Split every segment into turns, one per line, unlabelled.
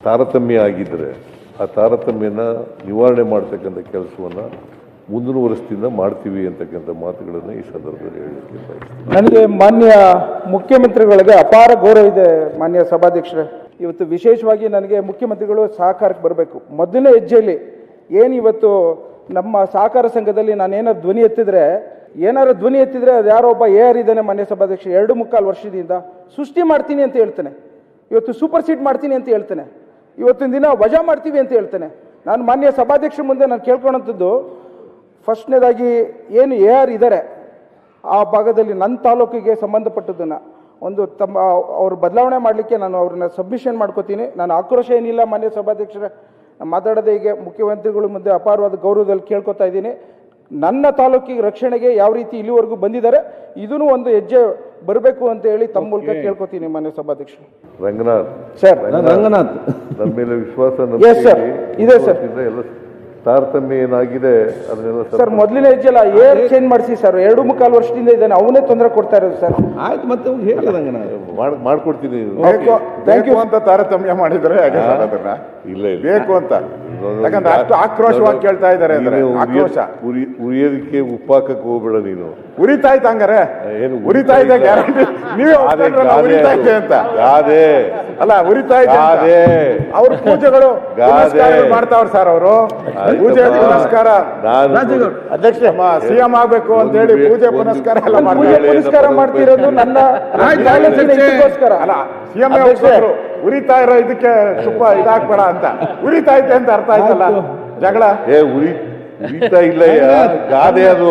ತಾರತಮ್ಯ ಆಗಿದ್ದರೆ ಆ ತಾರತಮ್ಯನ ನಿವಾರಣೆ ಮಾಡ್ತಕ್ಕಂಥ ಕೆಲಸವನ್ನು ಮುಂದಿನ ವರ್ಷದಿಂದ ಮಾಡ್ತೀವಿ ಅಂತಕ್ಕಂಥ ಮಾತುಗಳನ್ನು ಈ ಸಂದರ್ಭದಲ್ಲಿ ಹೇಳಲಿಕ್ಕೆ ಬಯಸ್ತೀನಿ.
ನನಗೆ ಮಾನ್ಯ ಮುಖ್ಯಮಂತ್ರಿಗಳಿಗೆ ಅಪಾರ ಗೌರವ ಇದೆ ಮಾನ್ಯ ಸಭಾಧ್ಯಕ್ಷರೇ. ಇವತ್ತು ವಿಶೇಷವಾಗಿ ನನಗೆ ಮುಖ್ಯಮಂತ್ರಿಗಳು ಸಹಕಾರಕ್ಕೆ ಬರಬೇಕು. ಮೊದಲನೇ ಹೆಜ್ಜೆಯಲ್ಲಿ ಏನು ಇವತ್ತು ನಮ್ಮ ಸಹಕಾರ ಸಂಘದಲ್ಲಿ ನಾನೇನಾದ್ರು ಧ್ವನಿ ಎತ್ತಿದ್ರೆ ಅದು ಯಾರೋ ಒಬ್ಬ AR ಇದ್ದಾನೆ ಮಾನ್ಯ ಸಭಾಧ್ಯಕ್ಷ 2.25 ವರ್ಷದಿಂದ ಸೃಷ್ಟಿ ಮಾಡ್ತೀನಿ ಅಂತ ಹೇಳ್ತಾನೆ, ಇವತ್ತು ಸೂಪರ್ ಸೀಟ್ ಮಾಡ್ತೀನಿ ಅಂತ ಹೇಳ್ತಾನೆ, ಇವತ್ತಿನ ದಿನ ವಜಾ ಮಾಡ್ತೀವಿ ಅಂತ ಹೇಳ್ತಾನೆ. ನಾನು ಮಾನ್ಯ ಸಭಾಧ್ಯಕ್ಷರ ಮುಂದೆ ನಾನು ಕೇಳ್ಕೊಳ್ಳೋಂಥದ್ದು, ಫಸ್ಟ್ನೇದಾಗಿ ಏನು AR ಇದ್ದಾರೆ ಆ ಭಾಗದಲ್ಲಿ ನನ್ನ ತಾಲೂಕಿಗೆ ಸಂಬಂಧಪಟ್ಟದ್ದನ್ನು ಒಂದು ಅವ್ರ ಬದಲಾವಣೆ ಮಾಡಲಿಕ್ಕೆ ನಾನು ಅವ್ರನ್ನ ಸಬ್ಮಿಷನ್ ಮಾಡ್ಕೋತೀನಿ. ನಾನು ಆಕ್ರೋಶ ಏನಿಲ್ಲ ಮಾನ್ಯ ಸಭಾಧ್ಯಕ್ಷರೇ, ನಾನು ಮಾತಾಡೋದೇ ಈಗ ಮುಖ್ಯಮಂತ್ರಿಗಳ ಮುಂದೆ ಅಪಾರವಾದ ಗೌರವದಲ್ಲಿ ಕೇಳ್ಕೊತಾ ಇದ್ದೀನಿ. ನನ್ನ ತಾಲೂಕಿಗೆ ರಕ್ಷಣೆಗೆ ಯಾವ ರೀತಿ ಇಲ್ಲಿವರೆಗೂ ಬಂದಿದ್ದಾರೆ ಇದೂ ಒಂದು ಹೆಜ್ಜೆ ಬರಬೇಕು ಅಂತ ಹೇಳಿ ತಮ್ಮ ಮೂಲಕ ಕೇಳ್ಕೊತೀನಿ ಮಾನ್ಯ ಸಭಾಧ್ಯಕ್ಷರು.
ರಂಗನಾಥ್
ಸರ್,
ರಂಗನಾಥ್
ನಮ್ಮ ಮೇಲೆ ವಿಶ್ವಾಸ
ಎಸ್ ಸರ್ ಇದೆ ಸರ್.
ಎಲ್ಲ ತಾರತಮ್ಯ ಏನಾಗಿದೆ ಅದನ್ನೆಲ್ಲ
ಸರ್ ಮೊದಲನೇ ಹೆಜ್ಜೆಲ್ಲ ಏರ್ ಚೇಂಜ್ ಮಾಡಿಸಿ ಸರ್. 2.25 ವರ್ಷದಿಂದ ಇದ್ದಾನೆ, ಅವನೇ ತೊಂದರೆ ಕೊಡ್ತಾ ಇರೋದು ಸರ್.
ಆಯ್ತು, ಮತ್ತೆ ಹೇಳಿ ರಂಗನಾಥ್
ಮಾಡ್ಕೊಡ್ತೀನಿ.
ಬೇಕು ಅಂತ ತಾರತಮ್ಯ ಮಾಡಿದ್ರೆ
ಇಲ್ಲ
ಬೇಕು ಅಂತ, ಯಾಕಂದ್ರೆ ಅಷ್ಟು ಆಕ್ರೋಶವಾಗಿ ಕೇಳ್ತಾ ಇದ್ದಾರೆ. ಆಕ್ರೋಶ
ಉರಿಯೋದಕ್ಕೆ ಉಪ್ಪಾಕಕ್ಕೆ ಹೋಗ್ಬೇಡ ನೀನು.
ಉರಿತಾ ಇತ್ತು ಹಂಗಾರೆ,
ಏನು
ಉರಿತಾ ಇದೆ ಗ್ಯಾರಂಟಿ. ನೀವೇ ಉರಿತಾ ಇದೆ ಅಂತ
ಗಾದೆ
ಅಲ್ಲ, ಉರಿತಾ ಇದೆ. ಅವ್ರ ಪೂಜೆಗಳು ಮಾಡ್ತಾವ್ರ ಸರ್. ಅವರು ಪೂಜೆ ಪುನಸ್ಕಾರ ಅಧ್ಯಕ್ಷ CM ಆಗ್ಬೇಕು ಅಂತ ಹೇಳಿ ಪೂಜೆ ಪುನಸ್ಕಾರ ಎಲ್ಲ
ಪುನಸ್ಕಾರ ಮಾಡ್ತಿರೋದು ನನ್ನ
ಅಲ್ಲ. CM ಉರಿತಾ ಇರೋ ಇದಕ್ಕೆ ತುಪ್ಪ ಇದಾಕ್ಬೇಡ ಅಂತ. ಉರಿತಾ ಐತೆ ಅಂತ ಅರ್ಥ ಆಯ್ತಲ್ಲ. ಜಗಳ
ಉರಿತಾ ಇಲ್ಲ, ಗಾದೆ ಅದು.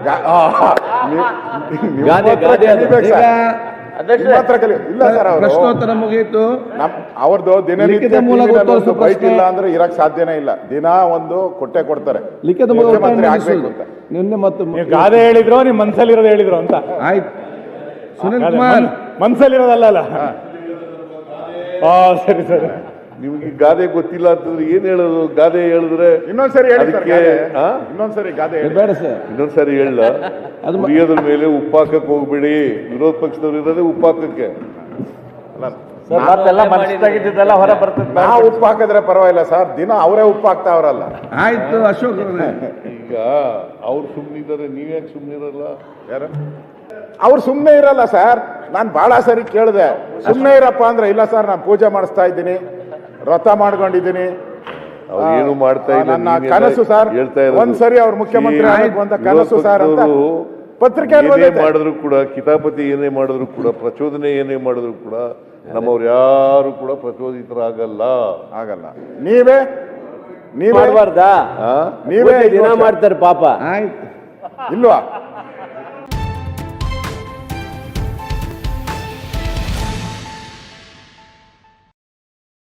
ಇಲ್ಲ ಸರ್,
ಪ್ರಶ್ನೋತ್ತರ ಮುಗಿಯಿತು.
ಅವ್ರದ್ದು ದಿನನಿತ್ಯ ಬೈಕ್ ಇಲ್ಲ ಅಂದ್ರೆ ಇರಕ್ ಸಾಧ್ಯನೇ ಇಲ್ಲ. ದಿನ ಒಂದು ಕೊಡ್ತಾರೆ.
ಲಿಖಿತ
ಮುಖ್ಯಮಂತ್ರಿ ಆಗ್ಬೇಕು ಅಂತ.
ನಿನ್ನೆ ಮತ್ತೆ
ಗಾದೆ ಹೇಳಿದ್ರು, ನಿಮ್ ಮನ್ಸಲ್ಲಿರೋದು ಹೇಳಿದ್ರು ಅಂತ.
ಆಯ್ತು ಸುನಿಲ್ ಕುಮಾರ್,
ಮನ್ಸಲ್ಲಿರೋದಲ್ಲ.
ಸರಿ ಸರಿ.
ನಿಮ್ಗೆ ಗಾದೆ ಗೊತ್ತಿಲ್ಲ ಅಂತಂದ್ರೆ ಏನ್ ಹೇಳೋದು? ಗಾದೆ ಹೇಳಿದ್ರೆ
ಇನ್ನೊಂದ್ಸರಿ
ಅದಕ್ಕೆ
ಇನ್ನೊಂದ್ಸರಿ ಗಾದೆ
ಬೇಡ ಸರ್,
ಇನ್ನೊಂದ್ಸರಿ ಹೇಳ. ಉರಿಯೋದ್ರ ಮೇಲೆ ಉಪ್ಪಾಕಕ್ಕೆ ಹೋಗ್ಬೇಡಿ. ವಿರೋಧ ಪಕ್ಷದವ್ರು ಇರೋದೇ ಉಪ್ಪಾಕಕ್ಕೆ.
ಹೊರ ಬರ್ತದೆ.
ನಾವು ಉಪ್ಪು ಹಾಕಿದ್ರೆ ಪರವಾಗಿಲ್ಲ ಸರ್, ದಿನ ಅವರೇ ಉಪ್ಪು ಹಾಕ್ತಾವ್ರಲ್ಲ.
ಆಯ್ತು ಅಶೋಕ್
ಈಗ ಅವ್ರು ಸುಮ್ಮನಿದ್ದಾರೆ, ನೀವ್ಯಾಕೆ ಸುಮ್ಮನಿರಲ್ಲ?
ಯಾರು ಅವ್ರು ಸುಮ್ಮನೆ ಇರಲ್ಲ ಸರ್. ನಾನು ಬಹಳ ಸರಿ ಕೇಳಿದೆ, ಸುಮ್ಮನೆ ಇರಪ್ಪ ಅಂದ್ರೆ ಇಲ್ಲ ಸರ್, ನಾನು ಪೂಜೆ ಮಾಡಿಸ್ತಾ ಇದ್ದೀನಿ, ವ್ರತ ಮಾಡ್ಕೊಂಡಿದ್ದೀನಿ,
ಏನು ಮಾಡ್ತಾ ಇಲ್ಲ.
ನನ್ನ ಕನಸು ಸರ್. ಒಂದ್ಸರಿ ಅವ್ರು ಮುಖ್ಯಮಂತ್ರಿ ಆಗಬೇಕು ಅಂತ ಕನಸು ಸರ್ ಅಂತ ಪತ್ರಿಕೆ
ಮಾಡಿದ್ರು ಕೂಡ, ಕಿತಾಪತಿ ಏನೇ ಮಾಡಿದ್ರು ಕೂಡ, ಪ್ರಚೋದನೆ ಏನೇ ಮಾಡಿದ್ರು ಕೂಡ ನಮ್ಮವ್ರು ಯಾರು ಕೂಡ ಪ್ರಚೋದಿತರಾಗಲ್ಲ.
ನೀವೇ
ಮಾಡಬಾರ್ದಾ?
ನೀವೇ
ದಿನ ಮಾಡ್ತಾರೆ ಪಾಪ.
ಇಲ್ವಾ?